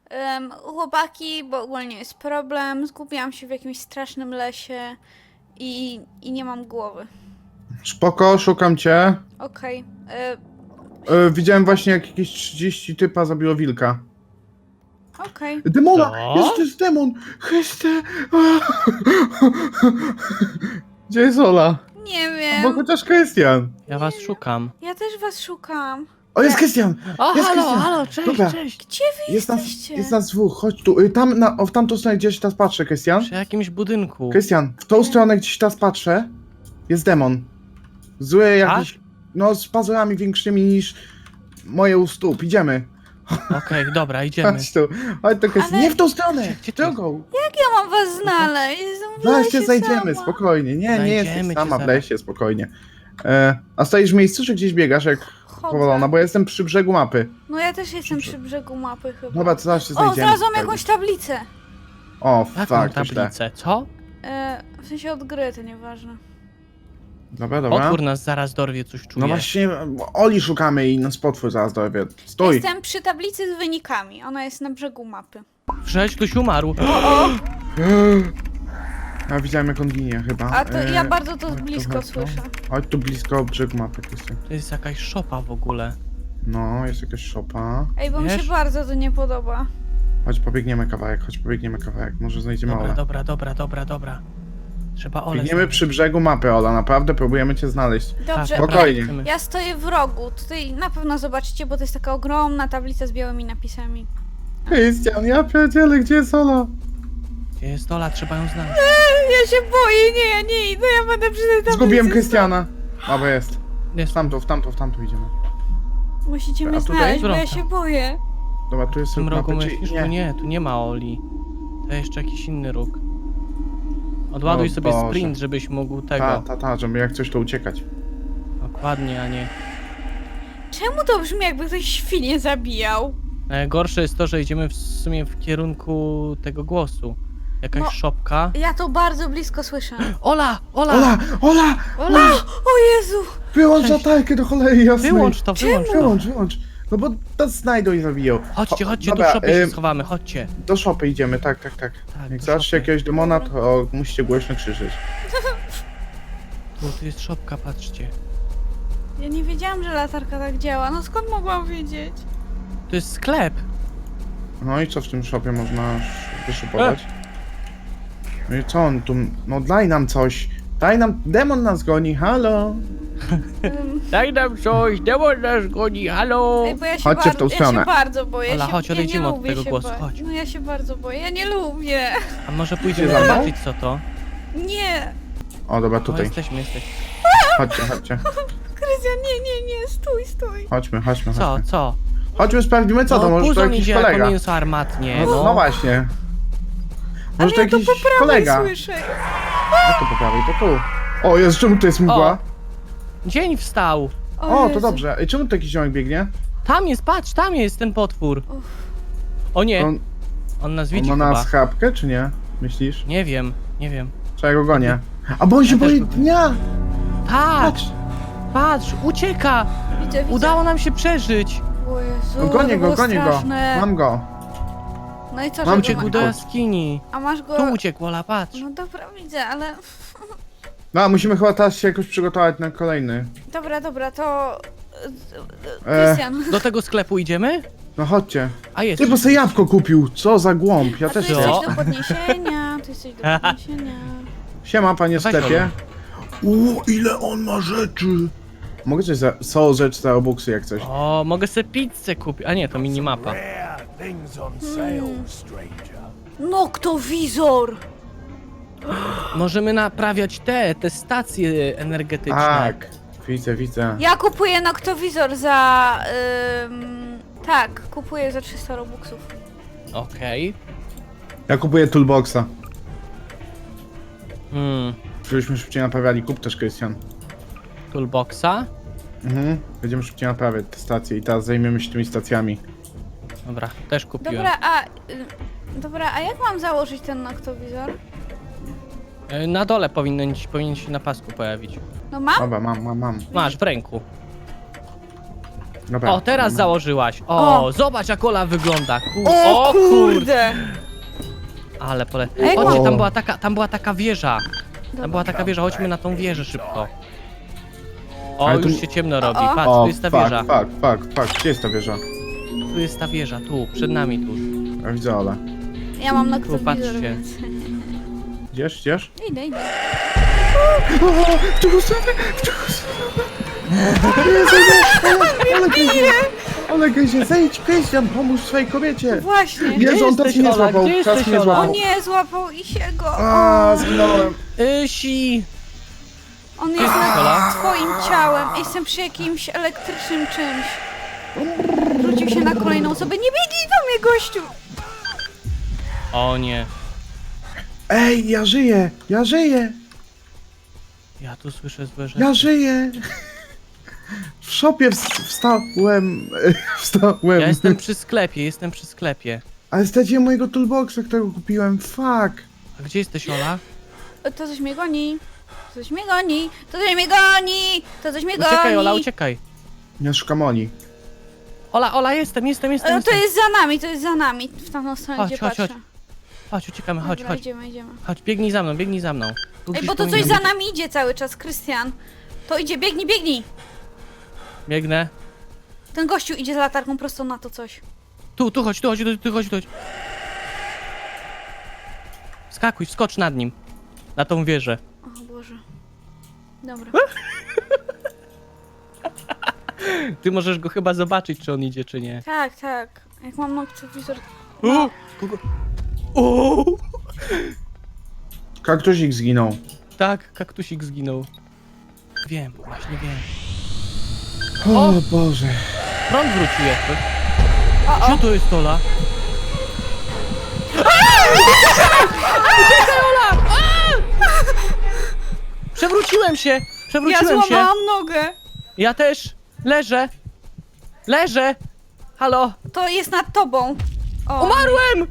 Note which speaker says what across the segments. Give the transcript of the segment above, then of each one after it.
Speaker 1: Chłopaki, bo ogólnie jest problem. Zgubiłam się w jakimś strasznym lesie i nie mam głowy.
Speaker 2: Spoko, szukam cię.
Speaker 1: Okej.
Speaker 2: Widziałem właśnie jak jakieś 30 typa zabiło wilka.
Speaker 1: Okej.
Speaker 2: Demona!
Speaker 3: Co?
Speaker 2: Jest, to jest demon! Chryste! Gdzie jest Ola?
Speaker 1: Nie
Speaker 2: Bo
Speaker 1: wiem.
Speaker 2: chociaż Krystian.
Speaker 3: Ja was szukam.
Speaker 1: Ja też was szukam.
Speaker 2: O, jest Krystian!
Speaker 3: O,
Speaker 2: Jest
Speaker 3: halo,
Speaker 2: Krystian.
Speaker 3: halo, cześć,
Speaker 2: Dobra.
Speaker 3: cześć.
Speaker 1: Gdzie wy
Speaker 2: Jest nas,
Speaker 1: jesteście?
Speaker 2: jest nas dwóch, chodź tu. Tam, w tamtą stronę gdzieś teraz patrzę, Krystian.
Speaker 3: Przy jakimś budynku.
Speaker 2: Krystian, w tą stronę gdzieś teraz patrzę. Jest demon. Zły jakiś, no z pazurami większymi niż moje u stóp. Idziemy.
Speaker 3: Okej, dobra, idziemy.
Speaker 2: Chodź tu. Chodź tu, Krystian.
Speaker 1: Ale-
Speaker 2: Nie w tą stronę!
Speaker 3: Gdzie ty?
Speaker 2: Drogą.
Speaker 1: Jak ja mam was znaleźć? Jestem w
Speaker 2: Zaraz
Speaker 1: lesie
Speaker 2: cię znajdziemy,
Speaker 1: sama.
Speaker 2: spokojnie. Nie
Speaker 3: Znajdziemy
Speaker 2: jesteś
Speaker 3: cię
Speaker 2: sama w
Speaker 3: zaraz.
Speaker 2: lesie, spokojnie. A stoisz w miejscu, czy gdzieś biegasz jak powolona?
Speaker 1: Chodzę.
Speaker 2: Bo ja jestem przy brzegu mapy.
Speaker 1: No ja też jestem przy brzegu mapy chyba.
Speaker 2: Dobra, to zaraz się
Speaker 1: O,
Speaker 2: znajdziemy.
Speaker 1: znalazłam jakąś tablicę.
Speaker 2: O,
Speaker 3: Jaką
Speaker 2: tak, to źle.
Speaker 3: tablicę? Co?
Speaker 1: W sensie od gry, to nieważne.
Speaker 2: Dobra, dobra.
Speaker 3: Otwór nas zaraz dorwie, coś czuję.
Speaker 2: No właśnie, Oli szukamy i nas potwór zaraz dowie. Stój!
Speaker 1: Jestem przy tablicy z wynikami. Ona jest na brzegu mapy.
Speaker 3: Przecież ktoś umarł.
Speaker 2: Ja widziałem jak on ginie chyba.
Speaker 1: A to ja bardzo to
Speaker 2: chodź
Speaker 1: z
Speaker 2: tu,
Speaker 1: blisko
Speaker 2: chodź tu.
Speaker 1: słyszę.
Speaker 2: Chodź tu blisko brzegu mapy, Krystian.
Speaker 3: To jest jakaś szopa w ogóle.
Speaker 2: No, jest jakaś szopa.
Speaker 1: Ej, bo mi
Speaker 3: Wiesz?
Speaker 1: się bardzo to nie podoba.
Speaker 2: Chodź pobiegniemy kawałek, może znajdziemy
Speaker 3: Dobra,
Speaker 2: Olę.
Speaker 3: dobra. Trzeba Ole
Speaker 2: Biegniemy
Speaker 3: znaleźć.
Speaker 2: przy brzegu mapy, Ola, naprawdę próbujemy cię znaleźć.
Speaker 1: Dobrze,
Speaker 3: Tak,
Speaker 2: spokojnie.
Speaker 3: chcemy.
Speaker 1: ja stoję w rogu. Tutaj na pewno zobaczycie, bo to jest taka ogromna tablica z białymi napisami.
Speaker 2: Krystian, ja pierdzielę, gdzie jest Ola?
Speaker 3: Gdzie jest Ola? Trzeba ją znaleźć.
Speaker 1: Ja się boję, nie, ja nie idę, ja będę przy tej tablicy.
Speaker 2: Zgubiłem Krystiana. Dobra, jest.
Speaker 3: Jest.
Speaker 2: W tamtą idziemy.
Speaker 1: Musicie
Speaker 2: A
Speaker 1: mnie
Speaker 2: tutaj?
Speaker 1: znaleźć, bo ja
Speaker 3: Wrota.
Speaker 1: się boję.
Speaker 2: Dobra, tu jest
Speaker 3: W tym
Speaker 2: róg
Speaker 3: rogu
Speaker 2: mapy,
Speaker 3: myślisz?
Speaker 2: czy
Speaker 3: Tu nie, tu nie ma Oli. To jeszcze jakiś inny róg. Odładuj
Speaker 2: O
Speaker 3: sobie
Speaker 2: Boże.
Speaker 3: sprint, żebyś mógł tego.
Speaker 2: Żeby jak coś to uciekać.
Speaker 3: Dokładnie, a nie.
Speaker 1: Czemu to brzmi, jakby ktoś świnie zabijał?
Speaker 3: Najgorsze jest to, że idziemy w sumie w kierunku tego głosu. Jakaś
Speaker 1: No.
Speaker 3: szopka.
Speaker 1: Ja to bardzo blisko słyszę.
Speaker 3: Ola! Ola!
Speaker 2: Ola!
Speaker 1: O Jezu!
Speaker 2: Wyłącz
Speaker 3: Cześć.
Speaker 2: latarkę do cholery jasnej.
Speaker 3: Wyłącz to, wyłącz to.
Speaker 2: Wyłącz. No bo nas znajdą i zabiją.
Speaker 3: Chodźcie, chodźcie,
Speaker 2: Dobra,
Speaker 3: tu w szopie się schowamy, chodźcie.
Speaker 2: Do szopy idziemy, tak.
Speaker 3: Tak,
Speaker 2: Jak
Speaker 3: do
Speaker 2: zobaczycie
Speaker 3: szopy.
Speaker 2: jakiegoś demona, to musicie głośno krzyczeć.
Speaker 3: Tu jest szopka, patrzcie.
Speaker 1: Ja nie wiedziałam, że latarka tak działa. No skąd mogłam wiedzieć?
Speaker 3: To jest sklep.
Speaker 2: No i co w tym szopie można wyszupować? No i co on tu... No daj nam coś. Daj nam... Demon nas goni, halo.
Speaker 3: Daj nam coś, demon nas goni, halo!
Speaker 1: Ej, bo ja się,
Speaker 2: Chodźcie w tą
Speaker 1: ja
Speaker 2: stronę.
Speaker 1: się bardzo boję.
Speaker 3: Ola,
Speaker 1: się,
Speaker 3: chodź,
Speaker 1: ja nie
Speaker 3: odejdźmy od
Speaker 1: lubię
Speaker 3: tego
Speaker 1: się
Speaker 3: głosu,
Speaker 1: bać.
Speaker 3: chodź.
Speaker 1: No ja się bardzo boję, ja nie lubię.
Speaker 3: A może pójdziemy
Speaker 2: Za mną?
Speaker 3: zobaczyć co to?
Speaker 1: Nie!
Speaker 2: O, dobra,
Speaker 3: O,
Speaker 2: tutaj.
Speaker 3: jesteśmy.
Speaker 2: Chodźcie.
Speaker 1: Krystian, nie, stój.
Speaker 2: Chodźmy.
Speaker 3: Co?
Speaker 2: Chodźmy, sprawdzimy co to, może to
Speaker 3: Puzon
Speaker 2: jakiś
Speaker 3: idzie jako
Speaker 2: kolega.
Speaker 3: mięso armatnie,
Speaker 2: No właśnie.
Speaker 1: Ale
Speaker 2: Może to
Speaker 1: ja to
Speaker 2: jakiś
Speaker 1: po prawej
Speaker 2: kolega.
Speaker 1: słyszę.
Speaker 2: Jak to po prawej, to tu. O, jest, czemu tu jest mgła?
Speaker 3: O. Dzień wstał.
Speaker 2: O, to
Speaker 1: Jezu.
Speaker 2: dobrze. Ej, czemu tu jakiś ziomek biegnie?
Speaker 3: Tam jest, patrz, tam jest ten potwór.
Speaker 1: Uff.
Speaker 3: O nie,
Speaker 2: On,
Speaker 3: on nas
Speaker 2: on
Speaker 3: widzi
Speaker 2: ma
Speaker 3: chyba.
Speaker 2: nas chapkę, czy nie? Myślisz?
Speaker 3: Nie wiem.
Speaker 2: Czy ja go gonię? A bo on się
Speaker 3: Ja też
Speaker 2: boi
Speaker 3: go
Speaker 2: dnia!
Speaker 3: Patrz, ucieka!
Speaker 1: Widzę.
Speaker 3: Udało nam się przeżyć.
Speaker 1: O Jezu,
Speaker 2: No, gonię
Speaker 1: to
Speaker 2: go.
Speaker 1: było straszne.
Speaker 2: Mam go.
Speaker 1: No i co,
Speaker 2: Mam
Speaker 1: że
Speaker 2: cię
Speaker 1: go
Speaker 3: Uciekł
Speaker 1: ma-
Speaker 3: do jaskini.
Speaker 1: A masz go...
Speaker 3: Tu uciekł, Ola, patrz.
Speaker 1: No dobra, widzę, ale...
Speaker 2: No, musimy chyba teraz się jakoś przygotować na kolejny.
Speaker 1: Dobra, to...
Speaker 2: E.
Speaker 1: Krystian.
Speaker 3: Do tego sklepu idziemy?
Speaker 2: No chodźcie.
Speaker 3: A jest.
Speaker 2: Ty, bo sobie jabłko kupił. Co za głąb. Ja
Speaker 1: A tu
Speaker 2: też
Speaker 3: co?
Speaker 1: jesteś
Speaker 2: chcę.
Speaker 1: do podniesienia, tu jesteś do podniesienia.
Speaker 2: Siema, panie
Speaker 3: Weź
Speaker 2: sklepie. Ile on ma rzeczy. Mogę coś za... Są rzeczy za obuksy jak coś.
Speaker 3: O, mogę sobie pizzę kupić. A nie, to minimapa.
Speaker 4: Rare things on sale, stranger.
Speaker 1: Noktowizor!
Speaker 3: Możemy naprawiać te stacje energetyczne.
Speaker 2: Tak. Widzę.
Speaker 1: Ja kupuję noktowizor za... tak, kupuję za 300 robuxów.
Speaker 3: Okej.
Speaker 2: Ja kupuję toolboxa.
Speaker 3: Hmm.
Speaker 2: Żebyśmy szybciej naprawiali. Kup też, Krystian.
Speaker 3: Toolboxa.
Speaker 2: Będziemy szybciej naprawiać te stacje i teraz zajmiemy się tymi stacjami.
Speaker 3: Dobra, też kupiłem.
Speaker 1: Dobra, a jak mam założyć ten noktowizor?
Speaker 3: Na dole powinien się na pasku pojawić.
Speaker 1: No mam?
Speaker 2: Dobra, mam.
Speaker 3: Masz w ręku.
Speaker 2: Dobra.
Speaker 3: O, teraz
Speaker 2: no.
Speaker 3: założyłaś. O,
Speaker 1: O.
Speaker 3: zobacz jak Ola wygląda.
Speaker 1: O kurde!
Speaker 3: Ale
Speaker 1: A jak
Speaker 3: Chodźcie,
Speaker 2: mam-
Speaker 3: tam była taka wieża. Tam była taka wieża, chodźmy na tą wieżę szybko. O,
Speaker 2: Ale tu-
Speaker 3: już się ciemno robi.
Speaker 1: O.
Speaker 3: Patrz,
Speaker 2: O,
Speaker 3: tu jest ta wieża.
Speaker 2: fuck. Gdzie jest ta wieża?
Speaker 3: Tu jest ta wieża, tu, przed nami tu.
Speaker 2: Ja widzę Ole.
Speaker 1: Ja mam noktowizor,
Speaker 3: patrzcie.
Speaker 1: więc...
Speaker 2: Idziesz?
Speaker 1: Idę.
Speaker 2: O, w drugą stronę! Jezu, Ole gryzie! Ole gryzie, zejdź, Krystian, pomóż swojej kobiecie!
Speaker 1: Właśnie.
Speaker 2: Jezu, on teraz
Speaker 3: jesteś,
Speaker 2: mnie
Speaker 3: Ola?
Speaker 2: złapał,
Speaker 3: Gdzie
Speaker 2: teraz
Speaker 3: jesteś,
Speaker 2: mnie
Speaker 3: Ola?
Speaker 1: O
Speaker 2: złapał.
Speaker 1: nie, złapał i się go.
Speaker 2: A,
Speaker 1: O,
Speaker 2: zginąłem.
Speaker 3: Ysi!
Speaker 1: on jest
Speaker 3: Ola?
Speaker 1: nad twoim ciałem. Jestem przy jakimś elektrycznym czymś. Rzucił się na kolejną osobę. Nie biegnij do mnie, gościu!
Speaker 3: O nie,
Speaker 2: Ej, ja żyję!
Speaker 3: ja tu słyszę złe rzeczy.
Speaker 2: Ja żyję! W szopie wstałem.
Speaker 3: Ja jestem przy sklepie.
Speaker 2: Ale straciłem mojego toolboxa, którego kupiłem. Fuck!
Speaker 3: A gdzie jesteś, Ola?
Speaker 1: To coś mnie goni. To coś mnie goni.
Speaker 3: Uciekaj, Ola, uciekaj.
Speaker 2: Ja szukam Oli.
Speaker 3: Ola, jestem.
Speaker 1: To jest za nami. W tamtą stronę,
Speaker 3: Chodź,
Speaker 1: gdzie
Speaker 3: chodź,
Speaker 1: patrzę.
Speaker 3: Chodź, uciekamy, chodź.
Speaker 1: Dobra, idziemy.
Speaker 3: Chodź, biegnij za mną. Tu
Speaker 1: Ej,
Speaker 3: gdzieś
Speaker 1: bo to coś
Speaker 3: powinien
Speaker 1: za
Speaker 3: być.
Speaker 1: nami idzie cały czas, Krystian. To idzie, biegnij.
Speaker 3: Biegnę.
Speaker 1: Ten gościu idzie z latarką prosto na to coś.
Speaker 3: Tu chodź. Skakuj, skocz nad nim. Na tą wieżę.
Speaker 1: O Boże. Dobra.
Speaker 3: Ty możesz go chyba zobaczyć, czy on idzie, czy nie.
Speaker 1: Tak. Jak mam noktowizor... No.
Speaker 3: Kogo? O!
Speaker 2: Kaktusik zginął.
Speaker 3: Tak, kaktusik zginął. Wiem, właśnie wiem.
Speaker 2: O Boże.
Speaker 3: Prąd wrócił jakby.
Speaker 1: O.
Speaker 3: Gdzie to jest Ola? Uciekaj, Ola! Przewróciłem się!
Speaker 1: Ja
Speaker 3: Przewróciłem się!
Speaker 1: złamałam nogę.
Speaker 3: Ja też! Leżę! Halo!
Speaker 1: To jest nad tobą. O,
Speaker 3: Umarłem!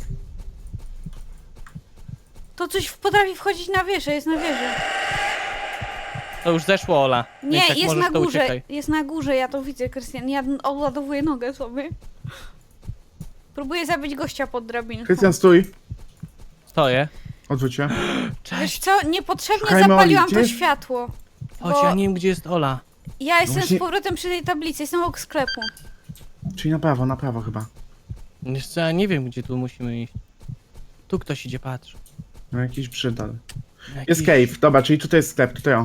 Speaker 1: to coś potrafi wchodzić na wieżę, jest na wieży.
Speaker 3: To już zeszło, Ola.
Speaker 1: Nie,
Speaker 3: Więc jak
Speaker 1: jest
Speaker 3: możesz,
Speaker 1: na
Speaker 3: to
Speaker 1: górze.
Speaker 3: uciekaj.
Speaker 1: Jest na górze, ja to widzę, Krystian. Ja odładowuję nogę sobie. Próbuję zabić gościa pod drabinką.
Speaker 2: Krystian, stój.
Speaker 3: Stoję.
Speaker 2: Odwróć się.
Speaker 1: Wiesz
Speaker 3: Cześć!
Speaker 1: co, niepotrzebnie
Speaker 2: Szukajmy
Speaker 1: zapaliłam
Speaker 2: Oli,
Speaker 1: to
Speaker 2: gdzie?
Speaker 1: światło.
Speaker 3: Chodź,
Speaker 1: bo-
Speaker 3: ja nie wiem, gdzie jest Ola.
Speaker 1: Ja jestem
Speaker 2: właśnie-
Speaker 1: z powrotem przy tej tablicy, jestem obok sklepu.
Speaker 2: Czyli na prawo chyba.
Speaker 3: Wiesz co, ja nie wiem, gdzie tu musimy iść. Tu ktoś idzie, patrz.
Speaker 2: No jakiś brzydal.
Speaker 3: Jakiś-
Speaker 2: Jest cave, dobra, czyli tutaj jest sklep, tutaj o.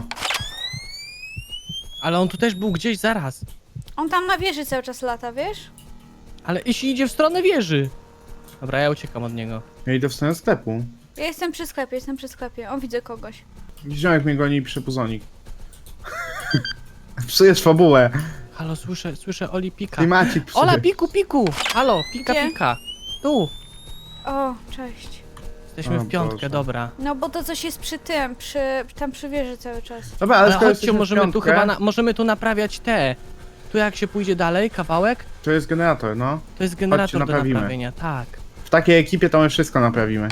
Speaker 3: Ale on tu też był gdzieś zaraz.
Speaker 1: On tam na wieży cały czas lata, wiesz?
Speaker 3: Ale jeśli idzie w stronę wieży. Dobra, ja uciekam od niego.
Speaker 2: Ja idę w stronę sklepu.
Speaker 1: Ja jestem przy sklepie. O, widzę kogoś.
Speaker 2: Ziomek mnie goni i pisze puzonik. Psujesz fabułę.
Speaker 3: Halo, słyszę Oli pika.
Speaker 2: Klimacik psuje.
Speaker 3: Ola, piku! Halo,
Speaker 1: Gdzie?
Speaker 3: pika. Tu.
Speaker 1: O, cześć.
Speaker 3: Jesteśmy
Speaker 2: O
Speaker 3: w piątkę,
Speaker 2: Boże.
Speaker 3: dobra.
Speaker 1: No bo to coś jest przy tym, tam przy wieży cały czas.
Speaker 2: Dobra,
Speaker 3: Ale
Speaker 2: skoro
Speaker 3: chodźcie,
Speaker 2: jesteśmy w
Speaker 3: możemy tu
Speaker 2: piątkę,
Speaker 3: chyba, możemy tu naprawiać te. Tu jak się pójdzie dalej, kawałek,
Speaker 2: To jest generator, no.
Speaker 3: to jest generator do
Speaker 2: naprawimy.
Speaker 3: naprawienia, tak.
Speaker 2: W takiej ekipie to my wszystko naprawimy.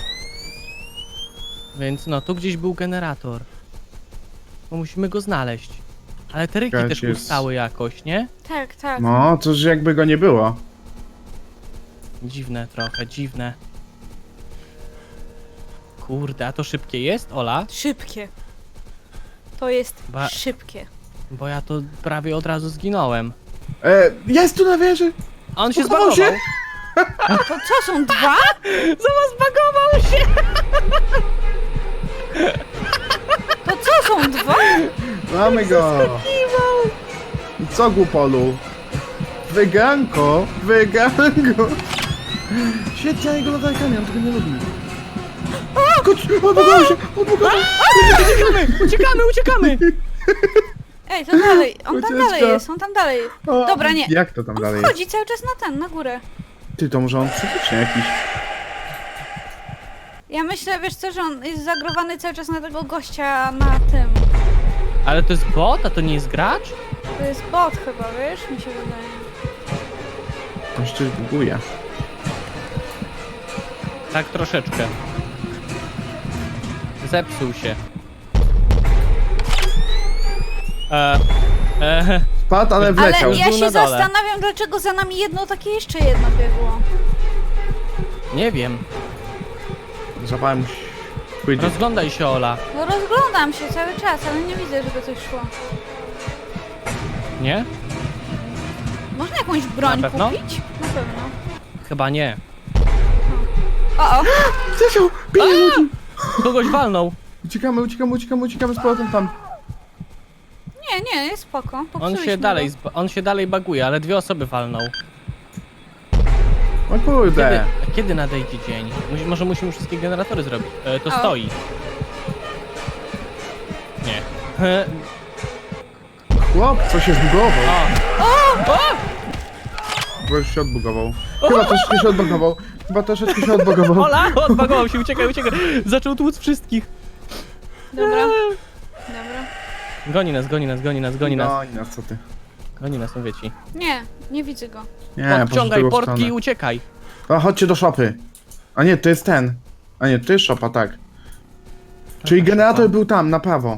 Speaker 3: Więc no, tu gdzieś był generator. Bo musimy go znaleźć. Ale te ryki
Speaker 2: Czekajcie,
Speaker 3: też
Speaker 2: jest-
Speaker 3: ustały jakoś, nie?
Speaker 1: Tak.
Speaker 2: No, to że jakby go nie było.
Speaker 3: Dziwne trochę, dziwne. Kurde, a to szybkie jest, Ola?
Speaker 1: Szybkie. To jest
Speaker 3: Ba-
Speaker 1: szybkie.
Speaker 3: Bo ja to prawie od razu zginąłem.
Speaker 2: Jest tu na wieży!
Speaker 3: A on się
Speaker 2: Zbugował
Speaker 3: zbagował.
Speaker 2: się.
Speaker 1: To co, są dwa?
Speaker 3: Zbagował się!
Speaker 1: To co, są dwa?
Speaker 2: Mamy go! I co, głupolu? Wyganko! Świetnie, ja jego latarkami, on tego nie lubi. Odbugował się!
Speaker 3: Uciekamy!
Speaker 1: Ej, to dalej. On tam
Speaker 2: Ucieczka.
Speaker 1: dalej jest,
Speaker 2: O,
Speaker 1: Dobra, nie.
Speaker 2: Jak to tam
Speaker 1: On
Speaker 2: dalej?
Speaker 1: wchodzi cały czas na górę.
Speaker 2: Ty, to może on psychicznie jakiś.
Speaker 1: Ja myślę, wiesz co, że on jest zagrowany cały czas na tego gościa na tym.
Speaker 3: Ale to jest bot, a to nie jest gracz?
Speaker 1: To jest bot chyba, wiesz? Mi się wydaje.
Speaker 2: On się coś buguje.
Speaker 3: Tak troszeczkę. Zepsuł się.
Speaker 2: Spadł, ale wleciał.
Speaker 1: Ale ja
Speaker 3: Był
Speaker 1: się
Speaker 3: na dole.
Speaker 1: zastanawiam, dlaczego za nami jedno takie jeszcze jedno biegło.
Speaker 3: Nie wiem.
Speaker 2: Zapałem pójdzie.
Speaker 3: Rozglądaj się, Ola.
Speaker 1: No rozglądam się cały czas, ale nie widzę, żeby coś szło.
Speaker 3: Nie?
Speaker 1: Można jakąś broń
Speaker 3: Na pewno?
Speaker 1: kupić? Na pewno.
Speaker 3: Chyba nie.
Speaker 1: O!
Speaker 2: Zasiał! Bije ludzi!
Speaker 3: Kogoś walnął.
Speaker 2: Uciekamy z powrotem tam.
Speaker 1: Nie, jest spoko.
Speaker 3: On
Speaker 1: Popsuliśmy
Speaker 3: on się dalej baguje, ale 2 osoby walnął.
Speaker 2: O kurde.
Speaker 3: Kiedy nadejdzie dzień? Może musimy wszystkie generatory zrobić. To
Speaker 1: O.
Speaker 3: stoi. Nie.
Speaker 2: Chłop, co się zbugował.
Speaker 3: O!
Speaker 2: Bo już się odbugował. Chyba troszeczkę się odbugował.
Speaker 3: Ola! Odbagował się, uciekaj. Zaczął tłuc wszystkich.
Speaker 1: Dobra.
Speaker 3: Goni nas.
Speaker 2: Goni nas, co ty.
Speaker 3: Goni nas, mówię ci.
Speaker 1: Nie widzę go.
Speaker 2: Nie, poszedł w
Speaker 3: Podciągaj
Speaker 2: drugą
Speaker 3: portki i
Speaker 2: stronę.
Speaker 3: uciekaj.
Speaker 2: A chodźcie do szopy. A nie, to jest ten. A nie, to jest szopa, tak. Czyli generator był tam, na prawo.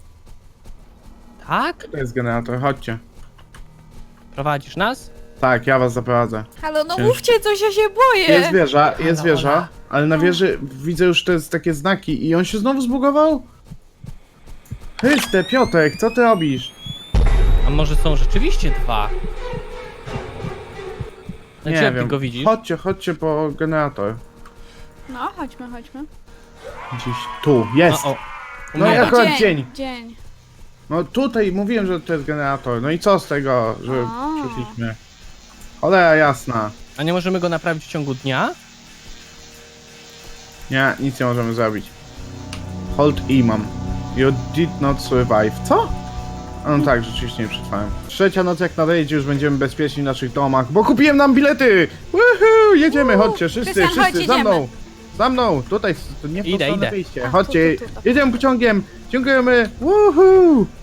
Speaker 3: Tak?
Speaker 2: To jest generator, chodźcie.
Speaker 3: Prowadzisz nas?
Speaker 2: Tak, ja was zaprowadzę.
Speaker 1: Halo, no
Speaker 2: Ciężko.
Speaker 1: mówcie coś, ja się boję.
Speaker 2: Jest wieża, ale na wieży widzę już te takie znaki i on się znowu zbugował? Chryste, Piotrek, co ty robisz?
Speaker 3: A może są rzeczywiście 2?
Speaker 2: Nie
Speaker 3: Jak ty
Speaker 2: wiem.
Speaker 3: go widzisz?
Speaker 2: Chodźcie po generator.
Speaker 1: No, chodźmy.
Speaker 2: Gdzieś tu, jest.
Speaker 3: O.
Speaker 2: No i
Speaker 3: Umiera.
Speaker 2: akurat dzień.
Speaker 1: Dzień.
Speaker 2: No tutaj mówiłem, że to jest generator. No i co z tego, że
Speaker 1: A.
Speaker 2: przyszliśmy? Cholera jasna.
Speaker 3: A nie możemy go naprawić w ciągu dnia?
Speaker 2: Nie, nic nie możemy zrobić. Hold E mam. You did not survive. Co? A no tak, rzeczywiście nie przetrwałem. Trzecia noc jak nadejdzie, już będziemy bezpieczni w naszych domach, bo kupiłem nam bilety! Woohoo! Jedziemy, chodźcie, wszyscy,
Speaker 1: Krystian, chodź,
Speaker 2: za mną!
Speaker 1: jedziemy.
Speaker 2: Za mną! Tutaj, to nie w tą
Speaker 3: Idę,
Speaker 2: stronę
Speaker 3: idę.
Speaker 2: wyjście.
Speaker 1: A,
Speaker 2: Chodźcie,
Speaker 1: tu.
Speaker 2: jedziemy pociągiem! Dziękujemy! Woohoo!